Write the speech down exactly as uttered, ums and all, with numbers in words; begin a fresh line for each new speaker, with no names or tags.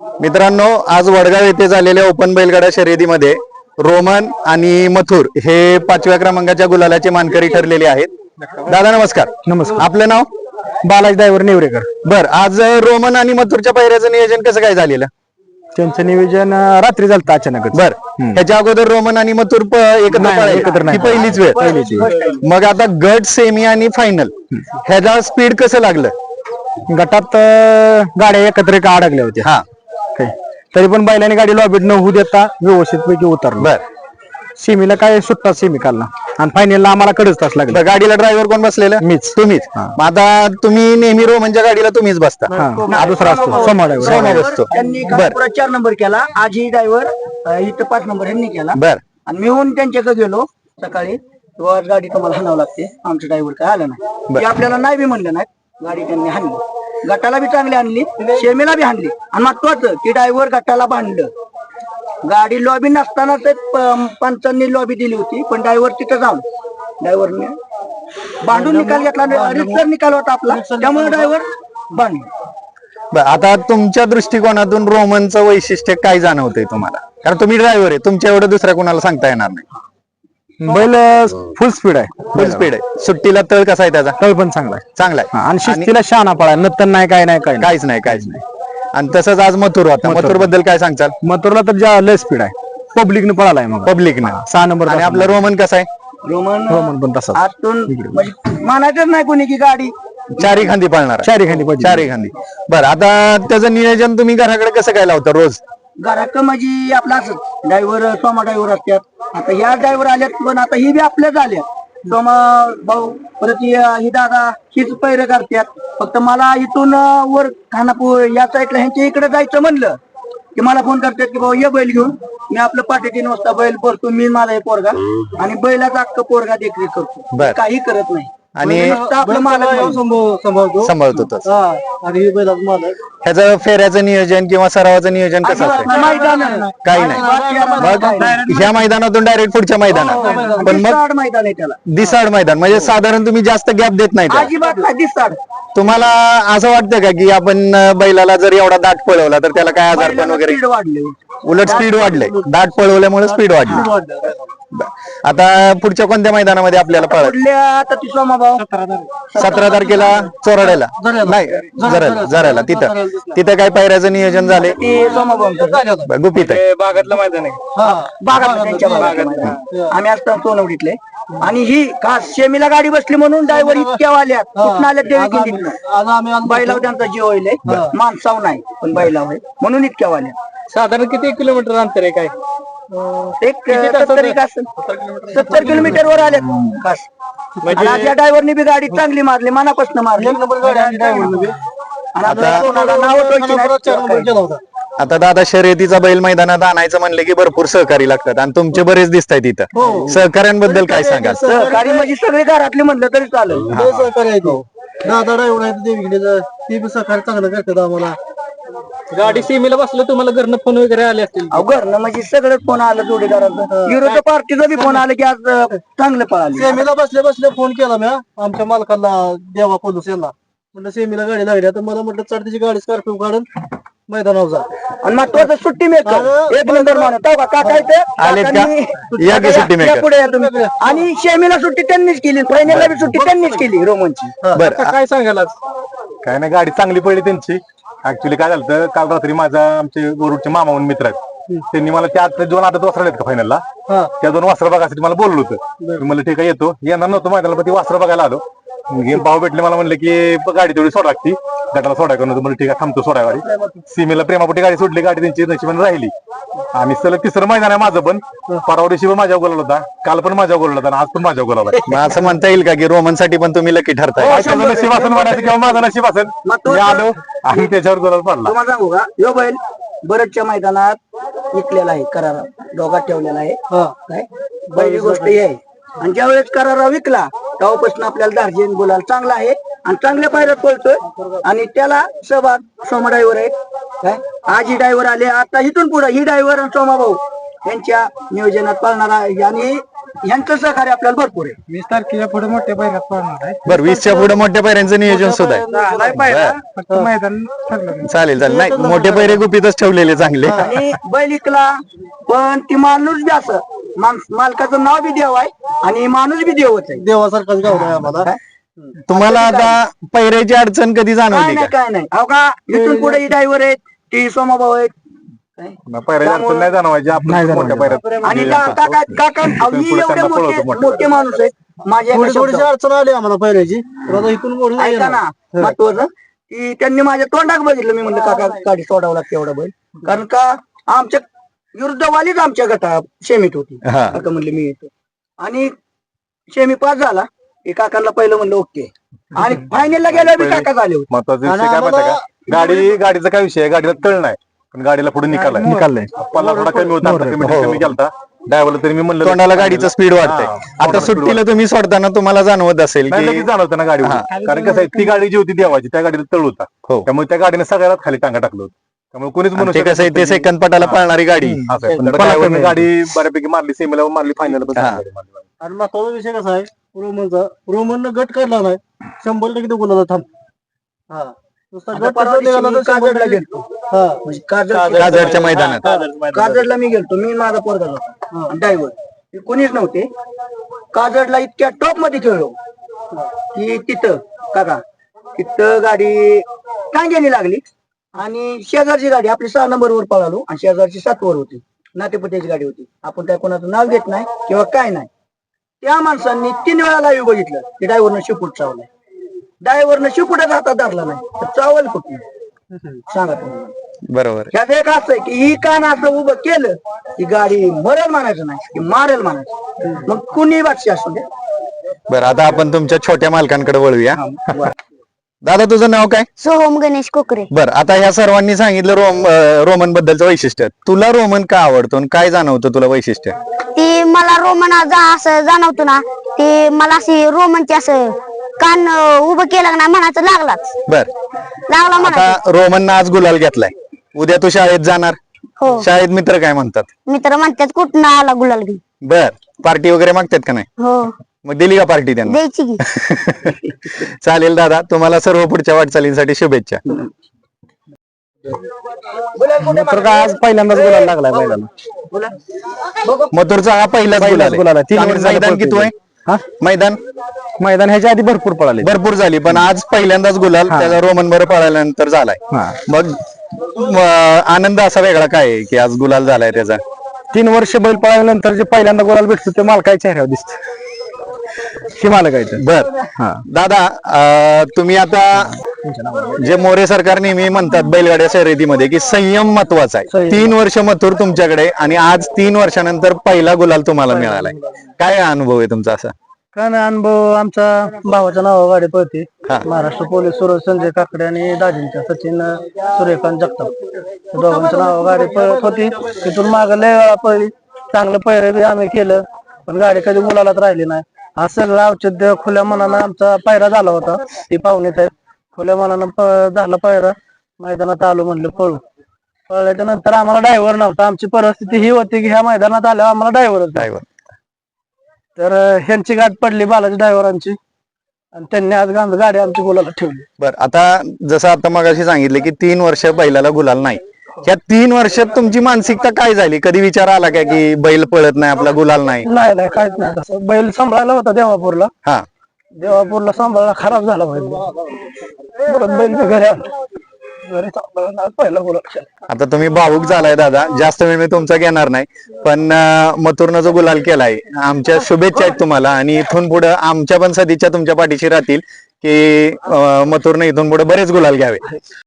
मित्रांनो, आज वडगाव येथे झालेल्या ओपन बैलगाडा शर्यतीमध्ये रोमन आणि मथुर हे पाचव्या क्रमांकाच्या गुलालाचे मानकरी ठरलेले आहेत. दादा नमस्कार.
नमस्कार.
आपलं नाव?
बालाजी ड्रायव्हर नेवरेकर.
बर, आज रोमन आणि मथुरच्या पायऱ्याचं नियोजन कसं काय झालेलं?
त्यांचं नियोजन अं, रात्री झालं अचानक.
बर, ह्याच्या अगोदर रोमन आणि मथुर प- एकत्र
नाही,
पळाले?
एकत्र नाही.
ही पहिलीच वेळ.
पहिलीच वेळ.
मग आता गट, सेमी आणि फायनल ह्याचा स्पीड कसं लागलं?
गटात अं, गाड्या एकत्र का अडकल्या होत्या.
हा,
काय. तरी पण बैलाने गाडी लॉबीत न होऊ देता व्यवस्थित पैकी उतरलो.
बर.
सेमीला काय सुट्टा सेमी काढला आणि फायनलला आम्हाला कडच तास लागला.
बर, गाडीला ड्रायव्हर कोण बसलेलं?
मीच.
तुम्हीच. मग आता तुम्ही नेहमी रोमनच्या गाडीला तुम्हीच बसता?
हा, हा दुसरा असतो सोमा
सोमा
ड्रायव्हर.
बसतो.
त्यांनी
बर
कालपुरात चार नंबर केला. आजही ड्रायव्हर इथं पाच नंबर यांनी केला.
बर
आणि मी होऊन त्यांच्याकडे गेलो सकाळी. तो आज गाडी तुम्हाला हाणावं लागते, आमचं ड्रायव्हर काय आलं नाही. ते आपल्याला नाही बी म्हणलं नाही, गाडी त्यांनी हाणली. गटाला बी चांगली आणली, शेमीला बी हाणली. आणि महत्वाचं की ड्रायव्हर गटाला बांधलं. गाडी लॉबी नसताना ते प- पंचांनी लॉबी दिली होती, पण ड्रायव्हर तिथं जाऊन ड्रायव्हरने बांधून निकाल घेतला. रितसर निकाल होता आपला, त्यामुळे ड्रायव्हर बांधला.
बर, आता तुमच्या दृष्टिकोनातून रोमनचं वैशिष्ट्य काय जाणवतंय तुम्हाला? कारण तुम्ही ड्रायव्हर आहे, तुमच्या एवढं दुसऱ्या कोणाला सांगता येणार नाही.
बैल फुल स्पीड आहे.
फुल स्पीड आहे. सुट्टीला तळ कसा आहे त्याचा?
तळ पण चांगला आहे.
चांगला
हा,
आहे.
आणि शिस्तीला शहाणा पळाय नंतर नाही काय नाही काय नाही.
काहीच नाही, काहीच नाही. आणि तसंच आज मथुर होता. मथुर बद्दल काय सांगचाल?
मथुरला तर ज्या लय स्पीड आहे. पब्लिकने पळालाय मग
पब्लिकनं.
सहा नंबर.
आणि आपलं रोमन कसं आहे?
रोमन
रोमन पण तसाच.
आतून म्हणजे मानायचंच नाही कोणी की गाडी
चारी खांदी पळणार आहे.
चारी खाली पाहिजे.
चारी खांदी. बरं, आता त्याचं नियोजन तुम्ही घराकडे कसं काय लावता रोज?
घरात म्हणजे आपला असं ड्रायव्हर सोमा ड्रायव्हर असतात. आता ह्या ड्रायव्हर आल्यात, पण आता ही बी आपल्याच आल्या. सोमा भाऊ परत ही ही दादा हीच पैर करतात. फक्त मला इथून अं, वर खानापूर या साईडला ह्यांच्या इकडे जायचं म्हणलं की मला फोन करतात की भाऊ ये बैल घेऊन. मी आपलं पाठी तीन वाजता बैल भरतो, मी माझा हे पोरगा आणि बैलाचा अख्खा पोरगा देखरेख करतो,
बर.
काही करत नाही.
आणि
नुसतं आपलं मालक
सांभाळतो
सांभाळतो तसं.
आणि बैलाचा मालक.
ह्याचं फेऱ्याचं नियोजन किंवा सरावाचं नियोजन कसं असतं?
मैदान
काही नाही. मग ह्या मैदानातून डायरेक्ट पुढच्या मैदानात. पण मग
दिसाड मैदान आहे त्याला,
दिसाड मैदान म्हणजे साधारण तुम्ही जास्त गॅप देत नाही त्याला.
अजिबात नाही दिसाड.
तुम्हाला असं वाटतं का की आपण अं, बैलाला जर एवढा दाट पळवला तर त्याला काय आजारपण वगैरे?
स्पीड वाढले.
उलट स्पीड वाढले, दाट पळवल्यामुळे स्पीड वाढली. बरं. आता पुढच्या कोणत्या मैदानामध्ये आपल्याला पळायचं?
पुढल्या आता ती सोमा भाऊ
सतरा तारखेला चोराड्याला नाही, जरायला जरायला तिथं तिथं काय पायऱ्याचं नियोजन झाले?
ते सोमा भाऊ
गुपित आहे.
बागातलं मैदान आहे.
बागात त्यांच्या बागात. आम्ही असतो सोनवडीतले. आणि ही खास शेमीला गाडी बसली म्हणून ड्रायव्हर इतक्या आल्यात, कुठं आल्यात देवी किल्लीतनं. बैलाव त्यांचा जीव होईल, माणसाव नाही पण बैलाव आहे म्हणून इतक्या आल्या.
साधारण किती किलोमीटर अंतर आहे काय?
एक सत्तर एक असेल, सत्तर किलोमीटर वर आल्यात खास. आणि आज या ड्रायव्हरने बी गाडी चांगली मारली, मनापासून मारली. आणि आता कोणाला नावं ठेवायची नाहीत.
आता दादा, शर्यतीचा बैल मैदानात आणायचं म्हणलं की भरपूर सहकारी लागतात आणि तुमचे बरेच दिसत आहेत इथं. सहकार्यांबद्दल काय सांगाल?
सहकारी म्हणजे सगळे घरातले म्हणलं तरी चालेल.
दादा ड्रायव्हर आहे देवीकडे, ते बी सहकार्य चांगलं करतात आम्हाला. गाडी सीमेला बसलं तुम्हाला घरनं फोन वगैरे आले असतील?
घरनं म्हणजे सगळं फोन आलं जोडीदाराचं, विरोधी पार्टीचं बी फोन आलं की आज अं, चांगलं पळालं.
सेमीला बसले बसले फोन केला मी आमच्या मालकाला, देवा पोलीस यांना. म्हटलं सेमीला गाडी लागली, तर मला म्हटलं चढ त्याची गाडी स्कॉर्पिओ काढून मैदानावर जा.
आणि महत्वाचं सुट्टी मेकर एक नंबर मानत का काका इथे
आलेत का? या की सुट्टी मेकर.
पुढे या तुम्ही. आणि शेमीला सुट्टी त्यांनीच केली, फायनलला बी सुट्टी त्यांनीच केली रोमनची.
बरं,
काय सांगाल आज?
काय नाही, गाडी चांगली पडली त्यांची. ऍक्च्युली काय झालं, काल रात्री माझा आमचे गोरुडचे मामा म्हणून मित्र आहेत, त्यांनी मला त्या आता दोन आता वासरा आहेत का फायनलला, त्या दोन वासरा बघायसाठी मला बोललो होतं. मी म्हणलं ठीक आहे येतो. येणार नव्हतं मैदानाला, पण ती वासरा बघायला आलो. गेम भाव भेटले, मला म्हणलं की गाडी तेवढी सोडा लागती, गटाला सोडाय करून. म्हणलं ठीक आहे, थांबतो सोडा गाडी. सीमेला प्रेमापोटी गाडी सोडली, गाडी त्यांची नशिबाने राहिली. आम्ही सलग तिसरं मैदान आहे माझं पण. परवा दिवशी पण माझ्या गोलाला होता, काल पण माझ्या गोलाला होता, आज पण माझ्या गोलाला.
मग असं म्हणता येईल का की रोमन साठी पण तुम्ही लकी ठरताय?
काय त्याचं नशीब असेल म्हणायचं किंवा माझं नशीब असेल, मी आलो आणि त्याच्यावर गोलाला पडला.
तुम्हाला सांगू का, यो बैल बरडच्या मैदानात विकलेला आहे, करारा दोघात ठेवलेला आहे. काय पहिली गोष्ट ही आहे. आणि ज्या वेळेस करारा विकला तेव्हापासून आपल्याला दार्जिन बोलायला चांगला आहे आणि चांगल्या पायऱ्यात पळतोय. आणि त्याला सहभाग सोमा ड्रायव्हर आहे. काय आज ही ड्रायव्हर आले, आता इथून पुढे ही ड्रायव्हर आणि सोमा भाऊ यांच्या नियोजनात पाळणारा. आणि यांचं सहकार्य आपल्याला भरपूर आहे.
वीस तारखेच्या पुढे मोठ्या बैलात पळणार आहे.
बरं वीसच्या पुढे मोठ्या पैऱ्यांचं नियोजन सुद्धा आहे.
नाही पाहिला, फक्त मैदान ठरलं नाही.
चालेल चालेल नाही मोठे पैरे गुपितच ठेवलेले चांगले.
आणि बैल इकला पण ती माणूस बी असं माणस- मालकाचं नाव बी देव आहे आणि माणूस बी देवच आहे.
देवासारखाच गाव आहे आम्हाला.
तुम्हाला आता पैऱ्याची अडचण कधी
काय
जाणवली
नाही
का?
काय नाही अहो का इथून पुढे ही ड्रायव्हर आहेत ती सोमाभाऊ आहेत काय?
पायऱ्याची अडचण नाही जाणवायची आपण मोठ्या पायऱ्यात
आणि का- काका काका अहो, मी
पुढे
एवढे
त्यांना
मोठे
पळवतो मोठे.
मोठे माणूस आहेत माझ्या
थोडी
एका
थोडीशी
शब्दावर.
अडचण आली आम्हाला पहिल्याची. तर आता इथून मोठी नाही
ऐका ना
येणार.
महत्वाचं की त्यांनी माझ्या तोंडात बघितलं मी म्हणलं काका गाडी सोडावं लागते एवढा बैल कारण का आमच्या विरुद्धवालीच आमच्या गटा शेमीत होती.
हा.
काका म्हणले मी येतो आणि शेमी पास झाला की काकांना पहिलं म्हणलं ओके आणि फायनलला गेल्यावर बी काका झाले होते.
महत्वाचा
आणि
विषय काय माहिती
आम्हाला-
का गाडी गाडीचा काय विषय आहे गाडीला तळ नाही पण गाडीला पुढे निकाल आहे.
निकाललंय
पल्ला थोडा कमी होता आता कमी कमी गेलता ड्रायव्हरला तरी मी म्हणलं
तोंडाला गाडीचं स्पीड वाढतंय.
हा,
आता
तोंडाला speed
सुट्टीला तुम्ही सोडताना तुम्हाला जाणवत असेल
नाही
की
लगेच जाणवतं ना गाडीवर कारण कसं आहे ती गाडी जी होती देवाची त्या गाडीला तळ होता
हो.
त्यामुळे त्या गाडीने सगळ्यात खाली टांगा टाकलं होतं त्यामुळे कोणीच म्हणू
ते
शकत
कसं आहे ते
नव्हतं की-
सेकंद पटाला पळणारी गाडी
असं आहे. पण
पण
driver ने
कमी.
गाडी बऱ्यापैकी मारली सेमीला मारली फायनल
हा.
आणि महत्वाचा विषय कसा आहे रोमनचा रोमननं गट काढला नाही शंभर टक्के तो गुलाला थांब. हा नुसता
आता
गट
परवा
कसं निघाला
दिवशी
तर
मी
शंभर
काजळला
टक्के-
गेलतो
हा.
म्हणजे काजळ
काजळच्या मैदानात
काजडला मी गेलतो मी माझा पोरगा होता ड्रायव्हर कोणीच नव्हते काजडला इतक्या टॉप मध्ये खेळलो की तिथं काका तिथं गाडी टांग्याने लागली आणि शेजारची गाडी आपली सहा नंबर वर पळालो आणि शेजारची सात वर होती नातेपत्याची गाडी होती आपण त्या कोणाचं नाव घेत नाही किंवा काय नाही त्या माणसांनी तीन वेळा लाईव्ह बघितलं की ड्रायव्हरनं शिपूट चावलाय ड्रायव्हरनं शिपूटच हातात धरला नाही तर चावल कुठे सांगा तुम्हाला
बरोबर
ह्यात एक असं आहे की ही कान असं उभं केलं की गाडी मरेल म्हणायचं नाही की मारेल म्हणायचं मग कुणी बादशी असू दे
बरं आता आपण तुमच्या छोट्या मालकांकडे वळूया.
बरं.
दादा तुझं नाव काय?
सोहम गणेश कोकरे.
बर आता ह्या सर्वांनी सांगितलं रोम अं, रोमन बद्दलचं वैशिष्ट्य. तुला रोमन का आवडतो आणि काय जाणवतं तुला वैशिष्ट्य?
ती मला रोमन जा- असं जाणवतो ना ते मला अशी रोमनची असं कान अं, उभं केलं का नाही म्हणायचं लागलाच
बर
लागला म्हणा
आता रोमननं आज गुलाल घेतलाय उद्या तू शाळेत जाणार
हो
शाळेत मित्र काय म्हणतात?
मित्र म्हणतात कुठं आला गुलाल घेऊन.
बर पार्टी वगैरे मागतात का नाही?
हो
मग दिली का पार्टी त्यांना?
द्यायची की.
चालेल दादा तुम्हाला सर्व पुढच्या वाटचालींसाठी शुभेच्छा.
तर का आज पहिल्यांदाच गुलाल लागलाय बैलाला.
मथुरचा हा पहिलाच गुलाल
गुलाल
आहे.
आहे. तीन
आणि
वर्ष
मैदान
झालं
किती आहे?
हा?
मैदान
मैदान ह्याच्या आधी भरपूर पळाले.
भरपूर झाली पण आज पहिल्यांदाच गुलाल त्याचा रोमन बरं पळाल्यानंतर झालाय.
हा.
मग म, आनंद असा वेगळा काय आहे की आज गुलाल झालाय त्याचा?
तीन वर्ष बैल पळाल्यानंतर जे पहिल्यांदा गुलाल भेटतो ते मालकाच्या चेहऱ्यावर दिसत हे मालकायचं.
बर दादा अं, तुम्ही आता जे मोरे सरकार नेहमी म्हणतात बैलगाड्या शर्यतीमध्ये की संयम महत्वाचा आहे.
संयम.
तीन वर्ष मथुर तुमच्याकडे आणि आज तीन वर्षानंतर पहिला गुलाल तुम्हाला मिळालाय. काय अनुभव आहे तुमचा असा?
काय नाही अनुभव आमच्या भावाच्या नावावर गाडी पळते
हा.
महाराष्ट्र पोलीस सुरज संजय काकडे आणि दाजींच्या सचिन सूर्यकांत जगताप या दोघांच्या नावावर गाडी पळत होती. तिथून माग लय वेळा पळली चांगलं पैर बी आम्ही केलं पण गाडी कधी मुलालाच राहिली नाही. हा सगळं औचित्य खुल्या मनानं आमचा पायरा झाला होता. ती पाहुणेत आहेत खुल्या मनानं प- झाला पायरा मैदानात आलो म्हणलं पळू पळल्याच्या नंतर आम्हाला ड्रायव्हर नव्हता. आमची परिस्थिती ही होती की ह्या मैदानात आल्यावर आम्हाला ड्रायव्हरच
ड्रायव्हर
तर अं, ह्यांची गाठ पडली बालाजी ड्रायव्हरांची आणि त्यांनी आज गांध गाडी आमची गुलाला ठेवली.
बर आता जसं आता मगाशी सांगितलं की तीन वर्ष बैलाला गुलाल नाही. या तीन वर्षात तुमची मानसिकता काय झाली? कधी विचार आला का की बैल पळत नाही आपला गुलाल नाही?
नाही नाही काहीच नाही तसं. बैल सांभाळायला होता देवापूरला
हा
देवापूरला सांभाळला खराब झाला बैल परत बैल मी घरी आलो घरी सांभाळला आज पहिला गुलाल.
आता तुम्ही भावुक झालाय दादा जास्त वेळ मी तुमचा घेणार नाही पण अं, मथुरनं जो गुलाल केलाय आमच्या शुभेच्छा आहेत तुम्हाला आणि इथून पुढे आमच्या पण सदिच्छा तुमच्या पाठीशी राहतील की अं, मथुरनं इथून पुढे बरेच गुलाल घ्यावे.